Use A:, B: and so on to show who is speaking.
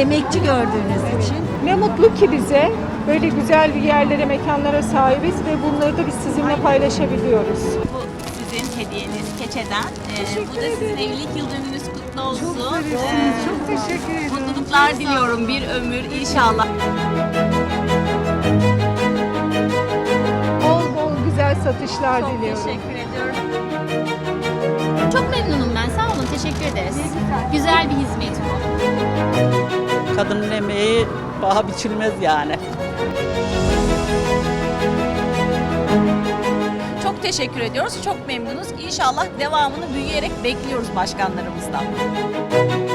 A: emekçi gördüğünüz için.
B: Ne mutlu ki bize böyle güzel bir yerlere, mekanlara sahibiz ve bunları da biz sizinle paylaşabiliyoruz.
C: Bu sizin hediyeniz Keçe'den. Bu da sizin evlilik yıl dönümünüz kutlu olsun.
B: Çok teşekkür ederim.
C: Mutluluklar diliyorum bir ömür inşallah.
B: Bol bol güzel satışlar
C: Çok
B: diliyorum.
C: teşekkür ediyorum.
D: Çok memnunum ben. Sağ olun. Teşekkür ederiz. Güzel bir hizmet bu.
E: Kadının emeği paha biçilmez yani.
C: Çok teşekkür ediyoruz. Çok memnunuz. İnşallah devamını büyüyerek bekliyoruz başkanlarımızdan.